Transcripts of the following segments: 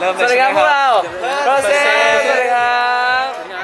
ริ่มสวัสดีครับพวกเราโรเซ่สวัสดีครับ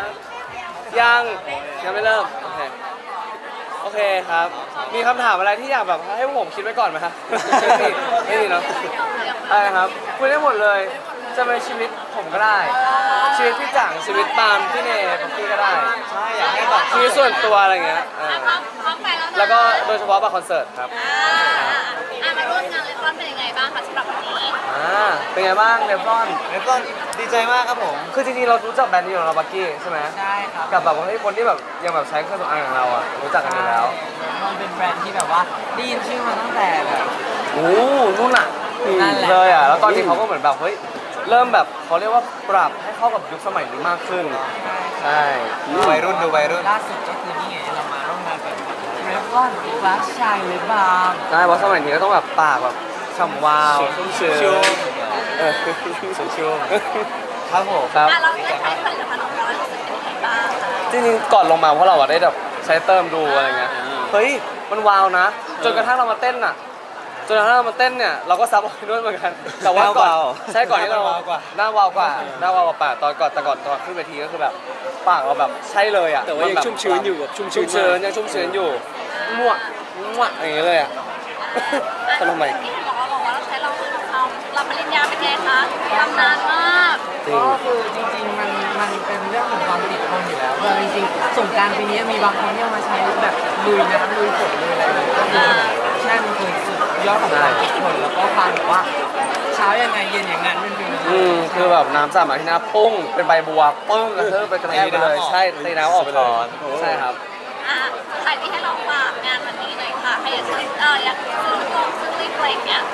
ยังไม่เริ่มโอเคครับมีคำถามอะไรที่อยากแบบให้พวกผมคิดไว้ก่อนไหมครับไม่มีเนาะอะไรครับคุยได้หมดเลยจะเป็นชีวิตผมก็ได้ชีวิตพี่จังชีวิตปาล์มพี่เนยพี่ก็ได้ใช่อยากให้บอกชีวิตส่วนตัวอะไรเงี้ยแล้วก็โดยเฉพาะบัตรคอนเสิร์ตครับมาร่วมงานเลฟอนเป็นยังไงบ้างคะสำหรับวันนี้เป็นไงบ้างเลฟอนแล้วก็ดีใจมากครับผมคือจริงๆเรารู้จักแบรนด์นี้ของเราบักกี้ใช่ไหมใช่ครับกับแบบว่าให้คนที่แบบยังแบบใช้เครื่องสำอางของเราอ่ะรู้จักกันอยู่แล้วมันเป็นแบรนด์ที่แบบว่าได้ยินชื่อมาตั้งแต่แบบโอ้นู่นอ่ะนั่นแหละเลยอ่ะแล้วตอนนี้เขาก็เหมือนแบบเฮ้ยเริ่มแบบเขาเรียกว่าปรับให้เข้ากับยุคสมัยนี้มากขึ้นใช่ดูวัยรุ่นดูวัยรุ่นล่าสุดก็คือนี่ไงเรามาร่วมงานกับเรฟลอนฟลัชชายเลบาร์มใช่เพราะสมัยนี้ก็ต้องแบบปากแบบฉ่ำวาวชุ่มชื้นชุ่มครับผมครับเราได้ใช้ผลิตภัณฑ์ของเรารู้สึกเป็นยังไงบ้างคะจริงๆก่อนลงมาเพราะเราอะได้แบบใช้เติมดูอะไรเงี้ยเฮ้ยมันวาวนะจนกระทั่งเรามาเต้นอ่ะจนกระทั่งเรามาเต้นเนี่ยเราก็ซับออกไปด้วยเหมือนกันแต่ว่าก่อนใช่ก่อนที่เราหน้าวาวกว่าปากตอนขึ้นเวทีก็คือแบบปากเราแบบใช่เลยอ่ะแต่ว่ายังชุ่มชื้นอยู่แบบชุ่มชื้นยังชุ่มชื้นอยู่มั่วอย่างเงี้ยเลยอ่ะทำไมที่บอกว่าเราใช้เรารับปริญญาเป็นไงคะทำนานมากจริงก็คือจริงๆมันเป็นเรื่องของความติดทนอยู่แล้วคือจริงๆสงกรานต์ปีนี้มีบางคนที่เอามาใช้แบบลุยน้ำลุยฝนลุยอะไรเลยก็คือใช่มันคือสุดยอดของความติดทนแล้วก็ความแบบว่าเช้ายังไงเย็นอย่างนั้นเป็นฟิลนั้นคือแบบน้ำสาดมาที่หน้าปุ้งเป็นใบบัวปึ้งกระเทอะไปกระแทกไปเลยใช่ตีน้ำออกไปเลยใช่ครับใครที่ให้เราฝากงานวันนี้หน่อยค่ะใครอยากซื้ออยากซื้อลงซื้อลิปอะไรอย่างเงี้ย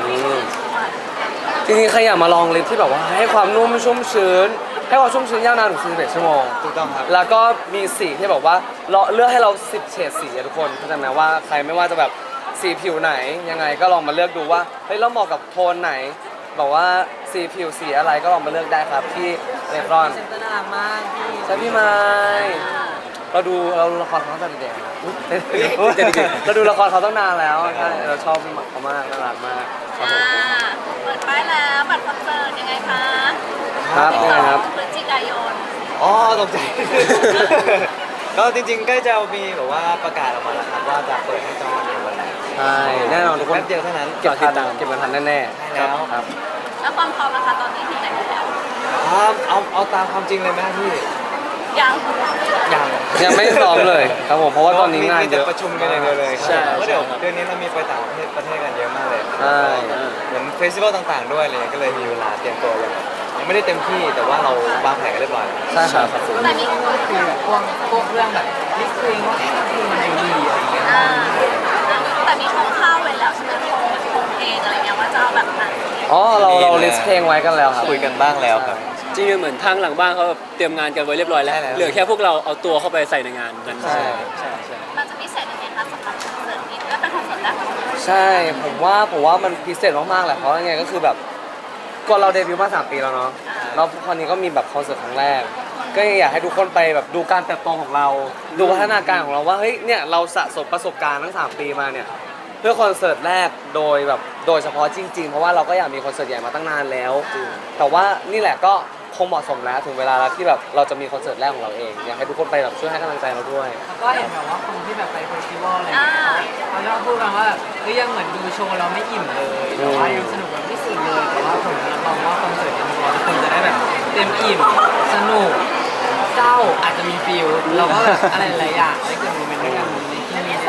จริงๆใครอยากมาลองลิปที่แบบว่าให้ความนุ่มชุ่มชื้นให้ความชุ่มชื้นยาวนานถึง41ชั่วโมงถูกต้องครับแล้วก็มีสีที่แบบว่าเราเลือกให้เรา10เฉดสีอะทุกคนเข้าใจไหมว่าใครไม่ว่าจะแบบสีผิวไหนยังไงก็ลองมาเลือกดูว่าเฮ้ยเราเหมาะกับโทนไหนบอกว่าสีผิวสีอะไรก็ลองมาเลือกได้ครับที่เลฟรอนเซ็นเตอร์น่ารักมากพี่ใช่พี่ไม้เราดูละครเขาตั้งแต่เด็กนะเราดูละครเขาตั้งนานแล้วใช่เราชอบเขามากน่ารักมากครับผมเปิดป้ายแล้วบัตรคอนเสิร์ตยังไงคะครับยังไงครับพฤศจิกายนอ๋อตกใจ ก็จริงๆใกล้จะมีแบบว่าประกาศออกมาแล้วครับว่าจะเปิดให้จองวันไหนวันไหนใช่แน่นอนทุกคนแป๊บเดียวเท่านั้นเก็บกันทันแน่ๆใช่แล้วครับแล้วความพร้อมนะคะตอนนี้ที่ไหนแล้วเอาตามความจริงเลยไหมครับพี่ยังยังยังไม่ซ้อมเลยครับผมเพราะว่าตอนนี้งานมีเยแต่อะประชุมกันอย่างเดียวเลยใช่เพราะเดี๋ยวเดือนนี้เรามีไปต่างประเทศกันเยอะมากเลยใช่เหมือนเฟสติวัลต่างๆด้วยเลยก็เลยมีเวลาเตรียมตัวยังไม่ได้เต็มที่แต่ว่าเราวางแผนกันเรียบร้อยใช่ครับแต่มีคือแบบพวกเรื่องแบบลิสต์เพลงว่าเพลงมันดีอะไรอย่างเงี้ยแต่มีคร่าวๆไว้แล้วใช่ไหมโครงเพลงอะไรเงี้ยว่าจะเอาแบบไหนอ๋อเราลิสต์เพลงไว้กันแล้วครับคุยกันบ้างแล้วครับจริงๆเหมือนทางหลังบ้านเขาแบบเตรียมงานกันไว้เรียบร้อยแล้วใช่แล้วเหลือแค่พวกเราเอาตัวเข้าไปใส่ในงานนั้นใช่ใช่มันจะพิเศษยังไงคะสำหรับคอนเสิร์ตนี้และเป็นคอนเสิร์ตแรกของเราใช่ผมว่ามันพิเศษมากๆแหละเพราะยังไงก็คือแบบก่อนเราเดบิวต์มา3 ปีแล้วเนาะแล้วคราวนี้ก็มีแบบคอนเสิร์ตครั้งแรก ก็ยังอยากให้ทุกคนไปแบบดูการเติบโตของเรา ดูพัฒนาการของเราว่าเฮ้ยเนี่ยเราสะสมประสบการณ์ทั้ง3 ปีมาเนี่ยเพื่อคอนเสิร์ตแรกโดยเฉพาะจริงๆเพราะว่าเราก็อยากมีคอนเสิร์ตใหญ่มาตั้งนานแล้วแต่ว่านี่แหละก็คงเหมาะสมแล้วถึงเวลาแล้วที่แบบเราจะมีคอนเสิร์ตแรกของเราเองอยากให้ทุกคนไปแบบช่วยให้กำลังใจเราด้วยแล้วก็เห็นแบบว่าคนที่แบบไปเฟสติวัลอะไรอย่างเงี้ยเขาชอบพูดกันว่าแบบเฮ้ยยังเหมือนดูโชว์เราไม่อิ่มเลยแต่ว่ายังสนุกแบบไม่สุดเลยแต่ว่าผมรับรองว่าคอนเสิร์ตนี้ทุกคนจะได้แบบเต็มอิ่มสนุกเศร้าอาจจะมีฟิลแล้วก็แบบอะไรหลายๆอย่างได้เกิดโมเมนต์ด้วยกันในที่นี้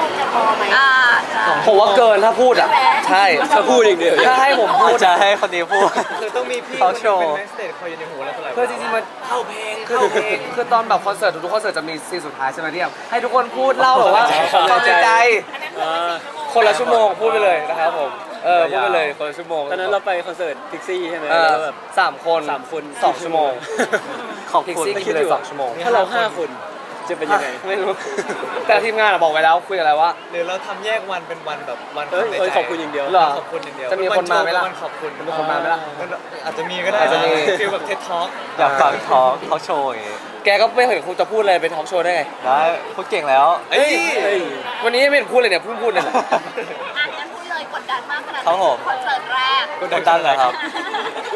ผมว่าเกินถ้าพูดอ่ะใช่ถ้าพูดอีกเดียวถ้าให้ผมพูดจะให้คนนี้พูดคือต้องมีพี่เขาโชว์เป็นแม็กสเตจคอยอยู่ในหูเราตลอดเพื่อจริงๆมันเข้าเพลงคือตอนแบบคอนเสิร์ตทุกคอนเสิร์ตจะมีซีนสุดท้ายใช่ไหมที่แบบให้ทุกคนพูดเล่าแบบว่าความในใจคนละชั่วโมงพูดไปเลยนะครับผมพูดไปเลยคนละชั่วโมงตอนนั้นเราไปคอนเสิร์ตพิกซี่ใช่ไหมเออแล้วแบบ 3 คน 3 คน 2 ชั่วโมงขอบพิกคุณซี่กินไปเลย2 ชั่วโมงถ้าเรา 5 คนจะเป็นยังไงไม่รู้ แต่ทีมงานอะบอกไว้แล้วคุยกันแล้วว่าหรือเราทำแยกวันเป็นวันแบบวันเอ้ยในเอ้ยใจขอบคุณอย่างเดียวเหรอขอบคุณอย่างเดียวจะมีคนมาไหมล่ะวันขอบคุณจะมีคนมาไหมล่ะอาจจะมีก็ได้อาจจะมีฟีลแบบเท็ดท็อกอยากฟังทอล์กเขาโชว์อย่างงี้แกก็ไม่เห็นคุณจะพูดเลยเป็นทอล์กโชว์ได้ไงได้พูดเก่งแล้วเอ้ยวันนี้ไม่เห็นพูดเลยเนี่ยเพิ่งพูดเลยแหละอ่ะงั้นพูดเลยกดดันมากขนาดไหนครับผมคอนเสิร์ตแรกกดดันเหรอครับ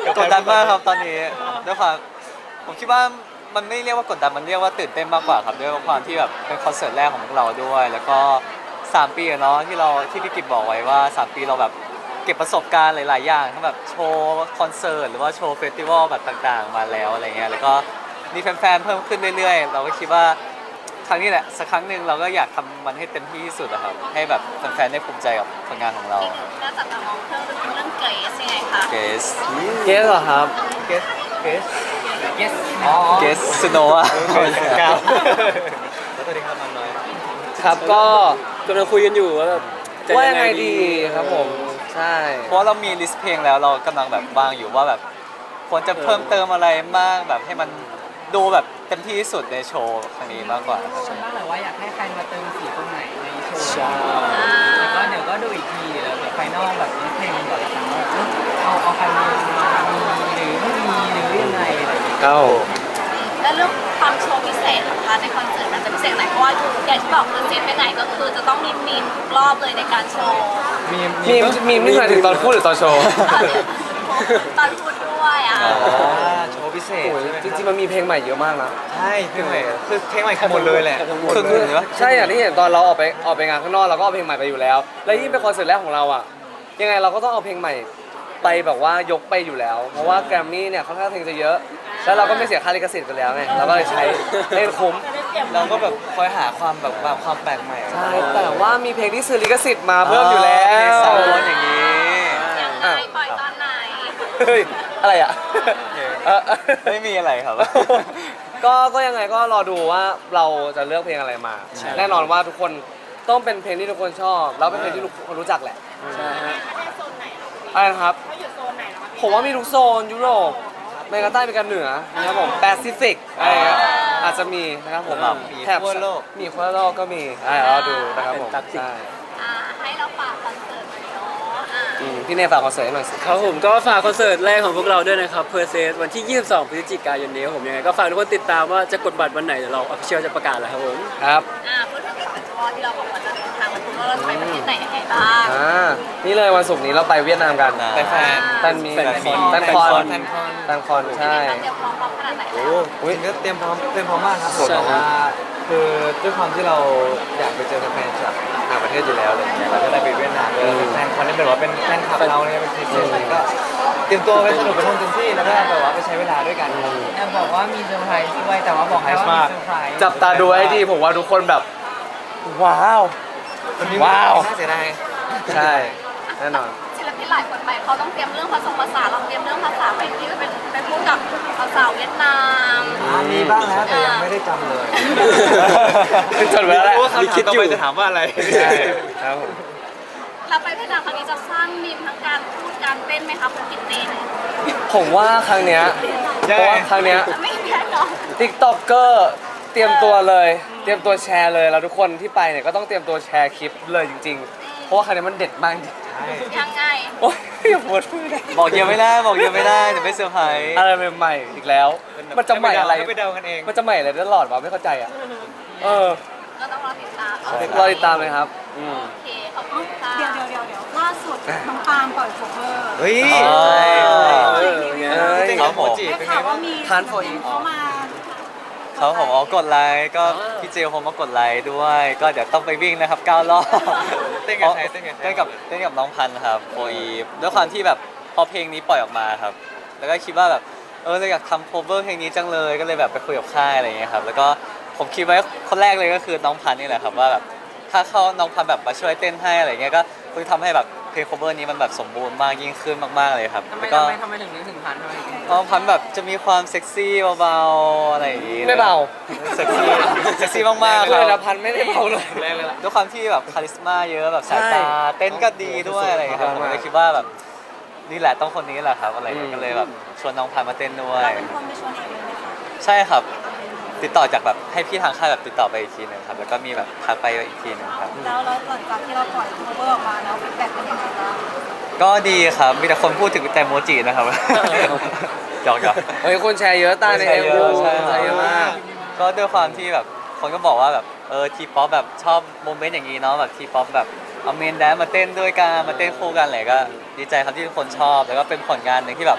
กดดันมากครับตอนนี้ด้วยความผมคิดว่ามันไม่เรียกว่ากดดันมันเรียกว่าตื่นเต้นมากกว่าครับด้วยความที่แบบเป็นคอนเสิร์ตแรกของพวกเราด้วย แล้วก็3 ปีอะเนาะที่พี่กิจบอกไว้ว่า3 ปีเราแบบเก็บประสบการณ์หลายๆอย่างทั้งแบบโชว์คอนเสิร์ตหรือว่าโชว์เฟสติวัลแบบต่างๆมาแล้วอะไรเงี้ยแล้วก็มีแฟนๆเพิ่มขึ้นเรื่อยๆเราก็คิดว่าครั้งนี้แหละสักครั้งหนึ่งเราก็อยากทำมันให้เต็มที่ที่สุดอะครับให้แบบแฟนๆได้ภูมิใจกับผลงานของเราอีกหนึ่งน่าจับตามองเรื่องเกรซยังไงคะเกสเกสเหรอครับเกสเกส yes เกสสโนว์กาวแล้วตัวนี้ครับน้อยครับก็กำลังคุยกันอยู่ว่าแบบจะว่ายังไงดีครับผมใช่เพราะเรามีลิสต์เพลงแล้วเรากำลังแบบวางอยู่ว่าแบบควรจะเพิ่มเติมอะไรมากแบบให้มันดูแบบเต็มที่ที่สุดในโชว์ครั้งนี้มากกว่าครับฉันบ้างเลยว่าอยากให้ใครมาเติมสีตรงไหนในโชว์ใช่แล้วก็เดี๋ยวก็ดูอีกทีแล้วแบบไฟนอลแบบนี้เพลงก่อนละกันว่าเอาใครมามีหรือไม่มีหรือยังไงอะไรอย่างเงี้ยเก้าแล้วเรื่องความโชว์พิเศษนะคะในคอนเสิร์ตมันจะพิเศษไหนเพราะว่าอย่างที่บอกคือเซตไปไหนก็คือจะต้องมีทุกรอบเลยในการโชว์มีนี่หมายถึงตอนพูดหรือตอนโชว์ตอนพูดด้วยอ่ะโชว์พิเศษโอ้ยจริงๆมันมีเพลงใหม่เยอะมากนะใช่เพลงใหม่คือเพลงใหม่หมดเลยแหละคือหรือว่าใช่อย่างที่เห็นตอนเราออกไปงานข้างนอกเราก็เอาเพลงใหม่ไปอยู่แล้ว และยิ่งเป็นคอนเสิร์ตแรกของเราอ่ะยังไงเราก็ต้องเอาเพลงใหม่ไปแบบว่ายกไปอยู่แล้ว เพราะว่าแกรมมี่เนี่ยค่อนข้างเพลงจะเยอะ แล้วเราก็ไม่เสียค่าลิขสิทธิ์ไปแล้วไงเราก็เลยใช้ให้คุ้มเราก็แบบคอยหาความแบบความแปลกใหม่ใช่แต่ว่ามีเพลงที่ซื้อลิขสิทธิ์มาเพิ่มอยู่แล้วเพลงสาวร้อนอย่างนี้ยังไงปล่อยตอนไหนเฮ้ยอะไรอ่ะเออไม่มีอะไรครับก็ยังไงก็รอดูว่าเราจะเลือกเพลงอะไรมา แน่นอนว่าทุกคนต้องเป็นเพลงที่ทุกคนชอบแล้วเป็นเพลงที่ทุกคนรู้จักแหละใช่ฮะอะไรนะครับผมว่ามีทุกโซนยุโรปอเมริกาใต้อเมริกาเหนือนะครับผมแปซิฟิกอะไรเงี้ยอาจจะมีนะครับผมมีแถบทั่วโลกมีทั่วโลกก็มีรอดูนะครับผมใช่ให้เราฝากคอนเสิร์ตหน่อยเนาะพี่เนยฝากคอนเสิร์ตให้หน่อยสิครับผมก็ฝากคอนเสิร์ตแรกของพวกเราด้วยนะครับเพอร์เซสวันที่ 22 พฤศจิกายนนี้ครับผมยังไงก็ฝากทุกคนติดตามว่าจะกดบัตรวันไหนเดี๋ยวเราออฟฟิเชียลจะประกาศแล้วครับผมครับพูดถึงเฟสติวัลที่เราบอกว่าจะเดินทางมาถึงว่าเราจะไปประเทศไหนยังไงบ้างนี่เลยวันศุกร์นี้เราไปเวียดนามกันไปแฟนแฟนมีแฟนมีแฟนคอนแฟนคอนแฟนคอนใช่เตรียมพร้อมขนาดไหนโอ้โหจริงก็เตรียมพร้อมมากครับผมแต่ว่าคือด้วยความที่เราอยากไปเจอแฟนจากต่างประเทศอยู่แล้วอะไรอย่างเงี้ยเราก็ได้ไปเวียดนามแฟนคอนนี่เป็นว่าเป็นแฟนคลับเราเนี่ยเป็นทีมเชียร์อะไรก็เตรียมตัวไปสนุกไปท่องเต็มที่แล้วก็แบบว่าไปใช้เวลาด้วยกันครับแอบบอกว่ามีเซอร์ไพรส์ด้วยแต่ว่าบอกให้ว่ามีเซอร์ไพรส์จับตาดูให้ดีผมว่าทุกคนแบบ ว้าว ว้าวน่าเสียดายใช่แน่นอนศิลปินหลายคนไปเขาต้องเตรียมเรื่องภาษาเราเตรียมเรื่องภาษาไปที่ไปพูดกับสาวเวียดนามมีบ้างแล้วแต่ยังไม่ได้จำเลยจดไว้แล้วแหละว่าคำถามต่อไปจะถามว่าอะไรใช่ครับผมเราไปเวียดนามครั้งนี้จะสร้างมีมทั้งการพูดการเต้นไหมคะคุณกิตเต้นผมว่าครั้งเนี้ยเพราะว่าครั้งเนี้ยไม่แน่นอนติ๊กต็อกเกอร์เตรียมตัวเลย เตรียมตัวแชร์เลยแล้วทุกคนที่ไปเนี่ยก็ต้องเตรียมตัวแชร์คลิปเลยจริงๆ เพราะว่าครั้งนี้มันเด็ดมากจริงยังไงโอ้ยอย่าปวดมือเลยบอกเยอะไม่ได้บอกเยอะไม่ได้เดี๋ยวไม่เซอร์ไพรส์อะไรใหม่ๆอีกแล้ว มันจะใหม่อะไรให้ไปเดากันเองมันจะใหม่อะไรตลอดวะไม่เข้าใจอ่ะเออก็ต้องรอติดตามรอติดตามเลยครับอืมโอเคขอบคุณค่ะเดี๋ยวล่าสุดน้องปาล์มปล่อยโคเวอร์เฮ้ยเอ้ยครับผมได้ข่าวว่ามีทานโฟอีกเขามาเขาผมกดไลค์ก็พี่เจลผมมากดไลค์ด้วย ก็เดี๋ยวต้องไปวิ่งนะครับ9 รอบเต้นกับใครเต้นกับใครเต้นกับน้องพันธุ์ครับโฟอีฟด้วยความที่แบบพอเพลงนี้ปล่อยออกมาครับ แล้วก็คิดว่าแบบเราอยากทำโคเวอร์เพลงนี้จังเลยก็เลยแบบไปคุยกับค่ายอะไรอย่างเงี้ยครับแล้วก็ผมคิดไว้คนแรกเลยก็คือน้องพันธุ์นี่แหละครับว่าแบบถ้าเขาน้องพันธุ์แบบมาช่วยเต้นให้อะไรเงี้ยก็คือทำให้แบบเพลงโคเวอร์นี้มันแบบสมบูรณ์มากยิ่งขึ้นมากๆเลยครับทำไมแล้วก็ถึงนึกถึงพันทำไมถึงน้องพันธุ์แบบจะมีความเซ็กซี่เบาๆอะไรอย่างงี้ไม่เบาเซ็กซี่เซ็กซี่มากๆคเลรัยนะบพันไม่ได้เบาเลยแรงเลยล่ะด้วยความที่แบบคาลิสมาเยอะแบบสายตาใช่เต้นก็ดีด้วยอะไรอย่างเงี้ยครับผมเลยคิดว่าแบบนี่แหละต้องคนนี้แหละครับอะไรอย่างเงี้ยอืมก็เลยแบบชวนน้องพันธุ์มาเต้นด้วยเราเป็นคนไปชวนเองเลยไหมคะใช่ครับ ติดต่อจากแบบให้พี่ทางค่ายแบบติดต่อไปอีกทีหนึงครับแล้วก็มีแบบทักไปอีกทีหนึงครับแล้วหลังจากที่เราปล่อยโคเวอร์ออกมาแล้วฟีดแบ็กเป็นยังไงบ้างก็ดีครับมีแต่คนพูดถึงแต่โมจินะครับ หยอกๆเฮ้ยคนแชร์เยอะตาในแชเอ็ร์มเยวีอะใช่แชร์เยอะมากก็ด้วยความที่แบบคนก็บอกว่าแบบทีป๊อปแบบชอบโมเมนต์อย่างนี้เนาะแบบทีป๊อปแบบเอาเมนแดนซ์มาเต้นด้วยกันมาเต้นคู่กันอะไรก็ดีใจครับที่ทุกคนชอบแล้วก็เป็นผลงานหนึ่งที่แบบ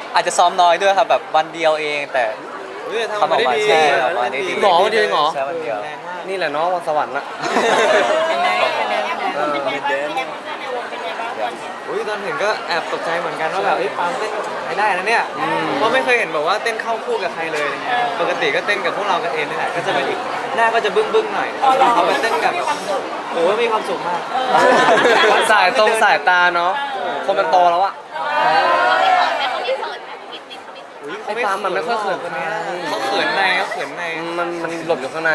อาจจะซ้อมน้อยด้วยครับแบบวันเดียวเองแต่เฮ้ยทำออกมาใช่ออกมาได้ดีหรอวันเดียวเองเหรอใช่วันเดียวแรงมากนี่แหละเนาะวันสวรรค์อะอุ้ยตอนเห็นก็แอบตกใจเหมือนกันว่าแบบปาล์มเต้นใช้ได้นะเนี่ยเพราะไม่เคยเห็นแบบว่าเต้นเข้าคู่กับใครเลยอะไรเงี้ยปกติก็เต้นกับพวกเรากันเองนี่แหละก็จะเป็นอีกหน้าก็จะบึ้งๆหน่อยเขาไปเต้นกับโอ้มีความสุขมากสายตรงสายตาเนาะคนมันโตแล้วอะเขาไม่เขินไหมเขาไม่เขินไหมนิดนิดเขาไม่เขินไอ้ปาล์มมันไม่ค่อยเขินคนนี้เขาเขินในเขาเขินในมันหลบอยู่ข้างใน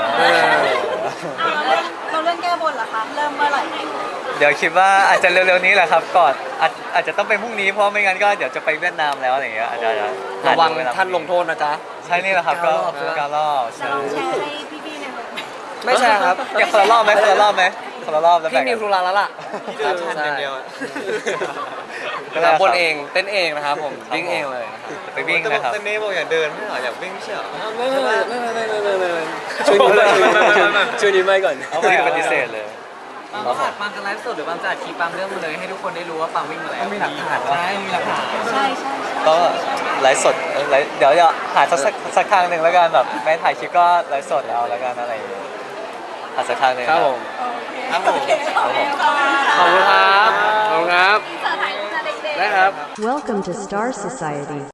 เราเรื่องแก้บนเหรอคะเริ่มเมื่อไหร่เดี๋ยวคิดว่าอาจจะเร็วๆนี้แหละครับก่อนอาจจะต้องเป็นพรุ่งนี้เพราะไม่งั้นก็เดี๋ยวจะไปเวียดนามแล้วอะไรอย่างเงี้ยอาจจะระวังท่านลงโทษนะจ๊ะใช่นี่แหละครับก็การรอบจะลองแชร์ให้พี่ๆในวงไม่ใช่ครับอยากคนละรอบไหมคนละรอบไหมคนละรอบแล้วพี่แบ่งมีกันธุระแล้วล่ะที่เดินชันอย่างเดียวอะรับบนเองเต้นเองนะครับผมวิ่งเองเลยนะครับไปวิ่งนะครับแต่เนบอกอย่าเดินไม่เหรออยากวิ่งไม่ใช่เหรอไม่ช่วยนี้ไม่ช่วยนี้ไม่ก่อนเอาไปปฏิเสธเลยปังอัดปังกันไลฟ์สดหรือปังจะอัดคลิปปังเรื่องมาเลยให้ทุกคนได้รู้ว่าปังวิ่งมาแล้วต้องมีหลักฐานใช่มีหลักฐานใช่ใช่ก็ไลฟ์สดไลฟ์เดี๋ยวจะหาสักครั้งหนึ่งแล้วกันแบบไม่ถ่ายคลิปก็ไลฟ์สดเอาแล้วกันอะไรอย่างเงี้ยหาสักครั้งหนึ่งครับผมครับผมขอบคุณครับขอบคุณครับที่เจอถ่ายรูปนะเด็กๆได้ครับ Welcome to Star Society.